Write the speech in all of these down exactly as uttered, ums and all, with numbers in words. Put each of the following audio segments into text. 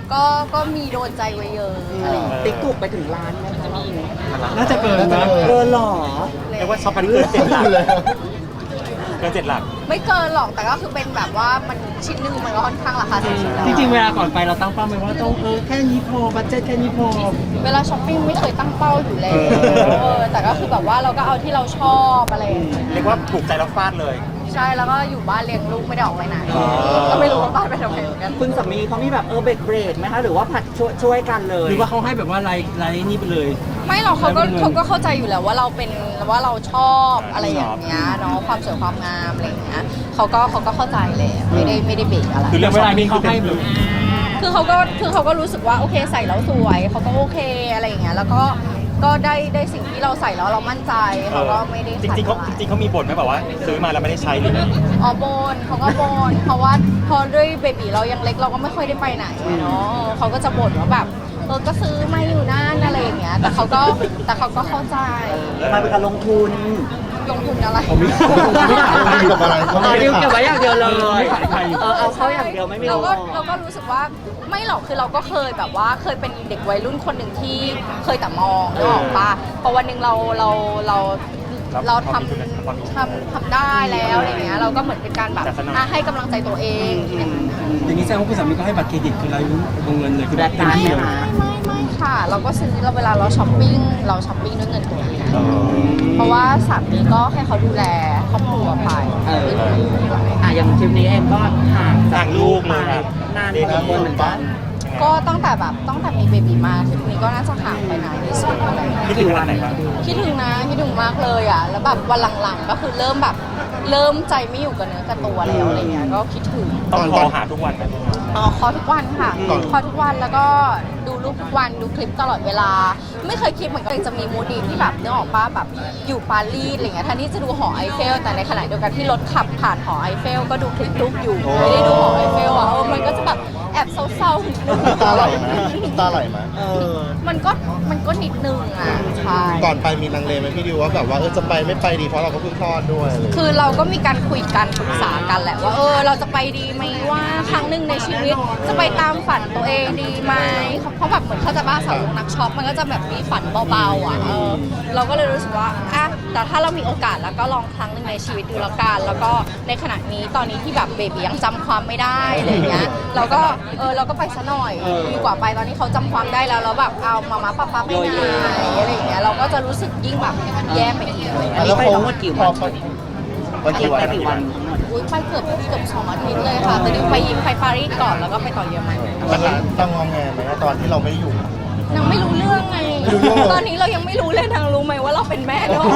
ก็ก็มีโดนใจไว้เยอะอะไรอย่างเงี้ยติ๊กถูกไปถึงล้านไหมคะรอบนี้น่าจะเกินนะเกินหรอเรียกว่าช็อปกันเกินเจ็ดหลักเกินเจ็ดหลักไม่เกินหรอกแต่ก็คือเป็นแบบว่ามันชิ้นหนึงมันก็ค่อนข้างราคาสูงแล้วจริงๆเวลาก่อนไปเราตั้งเป้าไหมว่าต้องเออแค่นี้พอบัตเจ็ตแค่นี้พอเวลาช้อปปิ้งไม่เคยตั้งเป้าอยู่แล้วเออแต่ก็คือแบบว่าเราก็เอาที่เราชอบอะไรอย่างเงี้ยเรียกว่าถูกใจแล้วฟาดเลยใช่แล้วก็อยู่บ้านเลี้ยงลูกไม่ได้ออกไปไหนก็ไม่รู้ว่าบ้านไปทำไมเหมือนกันคุณสามีเขามีแบบเออเบรกเบรกไหมคะหรือว่าผัดช่วยช่วยกันเลยหรือว่าเขาให้แบบว่าไลน์ไลน์นี่ไปเลยไม่หรอกเขาก็เขาก็เข้าใจอยู่แล้วว่าเราเป็นว่าเราชอบอะไรอย่างเงี้ยเนาะความสวยความงามอะไรอย่างเงี้ยเขาก็เขาก็เข้าใจเลยไม่ได้ไม่ได้เบรกอะไรคือเรื่องเวลานี้เขาให้แบบคือเขาก็คือเขาก็รู้สึกว่าโอเคใส่แล้วสวยเขาก็โอเคอะไรอย่างเงี้ยแล้วก็ก็ได้ได้สิ่งที่เราใส่แล้วเรามั่นใจเขาก็ไม่ได้จริงๆเขาจริงๆเขามีบ่นไหมแบบว่าซื้อมาแล้วไม่ได้ใช้หรือไงอ๋อบนเขาก็บนเพราะว่าพอด้วยเบบีเรายังเล็กเราก็ไม่ค่อยได้ไปไหนเนาะเขาก็จะบ่นว่าแบบเออก็ซื้อมาอยู่นั่นอะไรอย่างเงี้ยแต่เขาก็แต่เขาก็เข้าใจมาเป็นการลงทุนลงทุนอะไรผมไม่ไม่ได้กับอะไรเขาเอไม่อได้ดิวเก็บไว้อย่างเดียวเลยไม่ขายใครเออเอาเขาอย่างเดียวไม่มีเราก็อเราก็รู้สึกว่าไม่หรอกคือเราก็เคยแบบว่าเคยเป็นเด็กวัยรุ่นคนหนึ่งที่เคยแต่มองนึกออกปะพอวันหนึ่งเราเราเราเราทำทำทำได้แล้วอะไรเงี้ยเราก็เหมือนเป็นการแบบอ่ะให้กำลังใจตัวเองอย่างนั้นอย่างนี้แสดงว่าคุณสามีก็ให้บัตรเครดิตคือรายรู้วงเงินเลยคือแบบเต็มนั้นที่เลยนะไม่ไม่ค่ะ เราก็ซื้อเราเวลาเราช้อปปิ้งเราช้อปปิ้งด้วยเงินตัวเองเพราะว่าสามีก็ให้เขาดูแลครอบครัวไปเอออ่ะอย่างทริปนี้เองก็ห่างจากลูกมาห่างลูกเลยครับนานพอสมควรเหมือนกันก็ตั้งแต่แบบตั้งแต่มีเบบีมาทริปนี้ก็น่าจะห่างไปนานที่สุดอะไรอย่างเงี้ยคิดถึงขนาดไหนบ้างคิดถึงนะคิดถึงมากเลยอ่ะแล้วแบบวันหลังๆก็คือเริ่มแบบเริ่มใจไม่อยู่กับเนื้อกับตัวแล้วอะไรเงี้ยก็คิดถึงต้องโทรหาทุกวันไหมอ๋อคอทุกวันค่ะคอทุกวันแล้วก็ดูรูปทุกวันดูคลิปตลอดเวลา ไม่เคยคิดเหมือนกันจะมีมูดีที่แบบนึกออกป้าแบบอยู่ปารีสอะไรเงี้ยแทนที่จะดูหอไอเฟลแต่ในขณะเดียวกันที่รถขับผ่านหอไอเฟลก็ดูคลิปรูปอยู่ไม่ได้ดูหอไอเฟลอ่ะเออมันก็จะแบบแอบเศร้าๆนิดนึงตาไหลไหมตาไหลไหมเออมันก็มันก็นิดนึงอ่ะใช่ก่อนไปมีลังเลไหมพี่ดิวว่าแบบว่าเออจะไปไม่ไปดีเพราะเราก็เพิ่งคลอดด้วยอะไรอย่างเงี้ยคือเราก็มีการคุยกันปรึกษากันแหละว่าเออเราจะไปดีไหมว่าครั้งหนึ่งในชีวิตจะไปตามฝันตัวเองดีไหมเพราะแบบเหมือนเขาจะบ้าสาวกนักช็อปมันก็จะแบบมีฝันเบาๆอ่ะเออเราก็เลยรู้สึกว่าอ่ะแต่ถ้าเรามีโอกาสแล้วก็ลองครั้งหนึ่งในชีวิตดูแล้วกันแล้วก็ในขณะนี้ตอนนี้ที่แบบเบบียังจำความไม่ได้อะไรอย่างเงี้ยเราก็เออเราก็ไปซะหน่อยดีกว่าไปตอนนี้เขาจำความได้แล้วแล้วแบบเอามาม่าป๊าป๊าไปไหนอะไรอย่างเงี้ยเราก็จะรู้สึกยิ่งแบบแย่ไปอีกเลยอันนี้ไปทั้งหมดกี่วันไปกี่วันไปกี่วันทั้งหมดอุ้ยไปเกือบเกือบสองอาทิตย์เลยค่ะแต่ดิวไปยิมไปปารีสก่อนแล้วก็ไปต่อเยอรมันวันนั้นต้องงอแงไหมตอนที่เราไม่ได้อยู่นางไม่รู้เรื่องไงไม่รู้เรื่องเหรอตอนนี้เรายังไม่รู้เลยนางรู้ไหมว่าเราเป็นแม่ด้วย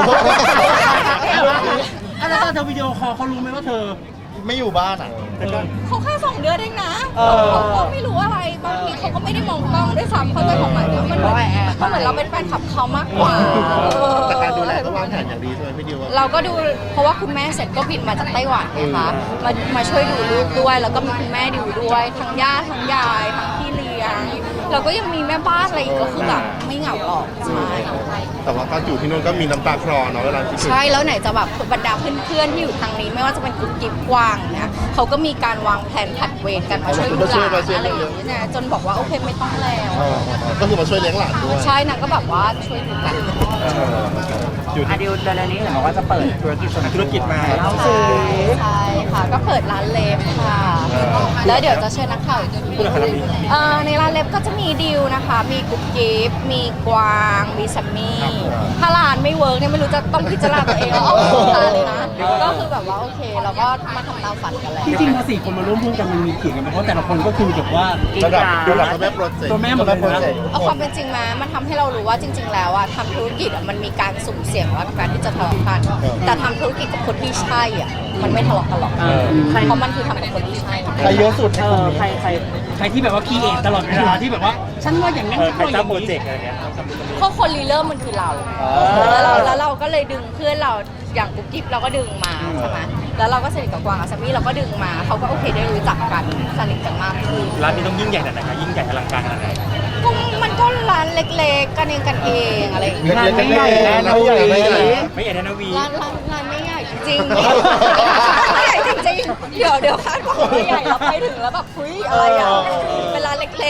อ่ะแล้วตอนเธอวิดีโอคอลเขารู้ไหมว่าเธอไม่อยู่บ้านอ่ะเขาแค่สองเดือนเองนะเออเขาก็ไม่รู้อะไรบางทีเขาก็ไม่ได้มองกล้องด้วยซ้ำเขาใจความหมายว่ามันเหมือนเขาแอบไปเขาเหมือนเราเป็นแฟนคลับเขามากกว่าเออแต่การดูแลก็วางแผนอย่างดีใช่ไหมพี่ดิวว่าเราก็ดูเพราะว่าคุณแม่เสร็จก็บินมาจากไต้หวันนะคะมามาช่วยดูลูกด้วย แล้วก็มีคุณแม่ดูด้วยทั้งย่าทั้งยายทั้งพี่เลี้ยงเราก็ยังมีแม่บ้านอะไรอีกก็คือแบบไม่เหงาหรอกใช่แต่ว่าก็อยู่ที่นู่นก็มีน้ำตาคลอเนาะเวลาคิดถึงใช่แล้วไหนจะแบบบรรดาเพื่อนๆที่อยู่ทางนี้ไม่ว่าจะเป็นกลุ่มกิ๊บกวางเนี่ยเขาก็มีการวางแผนผัดเวรกันมาช่วยดูหลานอะไรอย่างเงี้ยนะจนบอกว่าโอเคไม่ต้องแล้วเออก็คือมาช่วยเลี้ยงหลานด้วยใช่นางก็แบบว่าช่วยดูกันเอออยู่อ่ะที่ดิวเดือนนี้เห็นบอกว่าจะเปิดธุรกิจส่วนธุรกิจมาเล่าสิใช่ค่ะก็เปิดร้านเล็บค่ะ แล้วเดี๋ยวจะเชิญนักข่าวอีกทีเอ่อในร้านเล็บก็จะมีดิวนะคะ มีกุ๊กกิ๊บมีกวางมีแซมมี่ถ้าร้านไม่เวิร์กเนี่ยไม่รู้จะต้องพิจารณาตัวเองว่าเอาของร้านเลยนะก็คือแบบว่าโอเคเราก็มาทำตามฝันกันแหละจริงๆพอสี่คนมาร่วมหุ้นกันมันมีเขียงกันไหมเพราะแต่ละคนก็คือแบบว่าระดับระดับตัวแม่โปรเจกต์ตัวแม่หมดเลยนะโปรเจกต์เอาความเป็นจริงมามันทำให้เรารู้ว่าจริง ๆ แล้วอะทำธุรกิจอะมันมีการสุ่มเสี่ยงแล้วกับการที่จะทะเลาะกัน แต่ทำธุรกิจกับคนที่ใช่อะมันไม่ทะเลาะกันหรอกเออใครเพราะมันคือทำกับคนที่ใช่ใครเยอะสุดในเอกลุ่มอนี้ใครใครใครที่แบบว่าคีเอทตลอดเวลาที่แบบว่า ฉันว่าอย่างนั้นเออฉันใครว่าอจ้างย่างโปรนี้เจกต์อะไรเงี้ยเพราะคนรีเริ่มมันคือเรา แล้วเราแล้วเราก็เลยดึงเพื่อนเราอย่างกุ๊กกิ๊บเราก็ดึงมาใช่ไหมแล้วเราก็สนิทกับกวางกับซัมมี่เราก็ดึงมาเขาก็โอเคได้รู้จักกันสนิทกันมากขึ้นร้านนี้ต้องยิ่งใหญ่ขนาดไหนคะยิ่งใหญ่อลังการขนาดไหนก็มันก็ร้านเล็กๆกันเองกันเองอะไรอย่างเงี้ยงานไม่ใหญ่แน่นะไม่ใหญ่วีไม่ใหญ่ไม่ใหญ่แน่นะวีร้านร้านร้านไม่ใหญ่จริงๆไม่ใหญ่จริงๆเดี๋ยวเดี๋ยวคาดหวังว่าใหญ่เราไปถึงแล้วแบบคุยอะไรอ่ะเป็นร้านเล็กๆ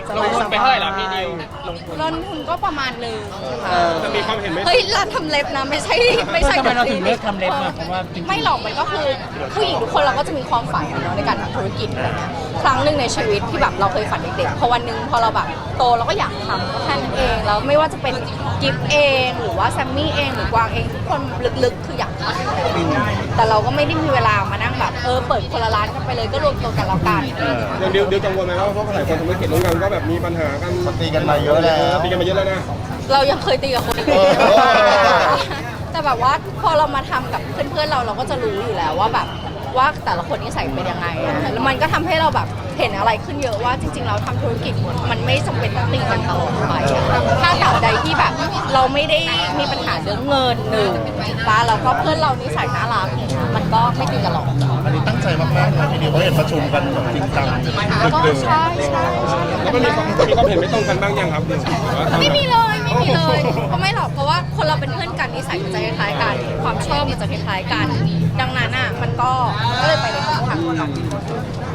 สลงบายทุนไปเท่าไหร่ล่ะพี่ดิวลงทุนก็ประมาณหนึ่งค่ะจะมีความเห็นไหมเฮ้ยร้านทำเล็บนะไม่ใช่ไม่ใช่ทำไมเราถึงเลือกทำเล็บอะเพราะว่าจริงๆไม่หรอกมันก็คือผู้หญิงทุกคนเราก็จะมีความฝันอะเนาะในการทำธุรกิจอะไรเงี้ยครั้งหนึ่งในชีวิตที่แบบเราเคยฝันเด็กๆพอวันหนึ่งพอเราแบบโตเราก็อยากทำก็แค่นั้นเองแล้วไม่ว่าจะเป็นกิฟเองหรือว่าแซมมี่เองหรือกวางเองทุกคนลึกๆคืออยากทำแต่เราก็ไม่ได้มีเวลามานั่งแบบเออเปิดคนละร้านกันไปเลยก็รวมตัวกันแล้วกันอย่างเดียวเดียวกังวลไหมว่าเพราะหลายคนทำธุรกิจร่วมกันก็แบบมีปัญหากันตีกันมาเยอะแล้วตีกันมาเยอะแล้วนะเรายังเคยตีกับคนอื่นเออแต่แบบว่าพอเรามาทำกับเพื่อนๆเราเราก็จะรู้อยู่แล้วว่าแบบว่าแต่ละคนนิสัยเป็นยังไงอะแล้วมันก็ทำให้เราแบบเห็นอะไรขึ้นเยอะว่าจริง ๆ เราทำธุรกิจมันไม่จำเป็นต้องตีกันตลอดไปอะถ้าตราบใดที่แบบเราไม่ได้มีปัญหาเรื่องเงินหนึ่งป้าแล้วก็เพื่อนเรานิสัยน่ารักอย่างเงี้ยมันก็ไม่ตีกันหรอกอันนี้ตั้งใจมากๆนะพี่ดิวเขาเห็นประชุมกันแบบจริงจังก็ใช่ใช่ใช่แล้วมันมีความมีความเห็นไม่ตรงกันบ้างยังครับไม่มีเลยไม่มีเลยเพราะไม่หรอกเพราะว่าคนเราเป็นเพื่อนกันนิสัยมันจะคล้ายๆกันความชอบมันจะคล้ายๆกัน ดังนั้นอ่ะมันก็ก็เลยไปในทิศทางเดียวกัน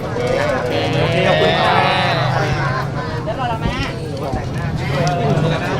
ขอบคุณค่ะแล้วเราละแม่